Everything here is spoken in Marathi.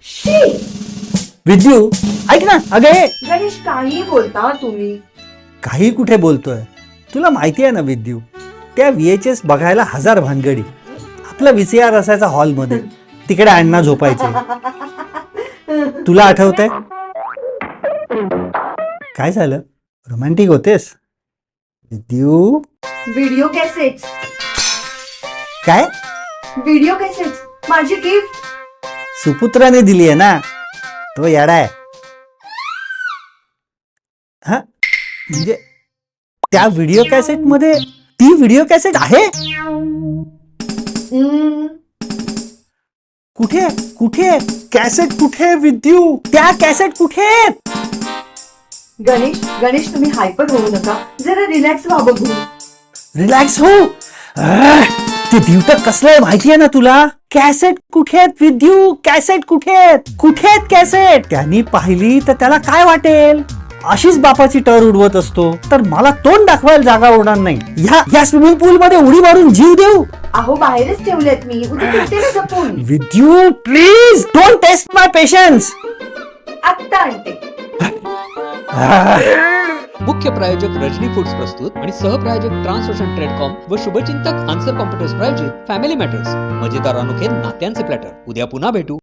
शी! विद्यू ऐक ना अगे गणेश काही बोलता तुम्ही. काही कुठे बोलतोय. तुला माहिती आहे ना विद्यू, त्या VHS बघायला 1000 भानगडी. आपला VCR असायचा हॉलमध्ये, तिकडे अण्णा झोपायचे. तुला आठवतंय? काय झालं? रोमॅन्टिक होतेस विद्यू? Video cassettes. काय? व्हिडिओ कॅसेट्स माझी गिफ्ट. सुपुत्राने दिली आहे ना, तो येडा आहे. हा म्हणजे त्या व्हिडिओ कॅसेट मध्ये ती व्हिडिओ कॅसेट आहे? कुठे कुठे कॅसेट कुठे विद्यू? त्या कॅसेट कुठे? गणेश गणेश तुम्ही हायपर होऊ नका, जरा रिलॅक्स व्हा बघू. रिलॅक्स हो. ते दिवट कसलं आहे माहिती आहे ना तुला? कॅसेट कुठे आहेत विद्यू? कॅसेट कुठे आहेत? कुठे आहेत कॅसेट? त्यांनी पाहिली तर त्याला काय वाटेल? अशीच बापाची टर उडवत असतो तर मला तोंड दाखवायला जागा उडणार नाही. या स्विमिंग पूल मध्ये उडी मारून जीव देऊ? अहो बाहेरच ठेवलेत मी, उद्या भेटते ना जपून. Vidyu please don't test my patience. आत्ता आणते. मुख्य प्रायोजक रजनी फूड्स प्रस्तुत आणि सहप्रायोजक ट्रान्सओशन ट्रेडकॉम व शुभचिंतक आन्सर कॉम्प्युटर्स प्रायोजित फॅमिली मॅटर्स मजेदार अनोखे नात्यांचे प्लॅटर. उद्या पुन्हा भेटू.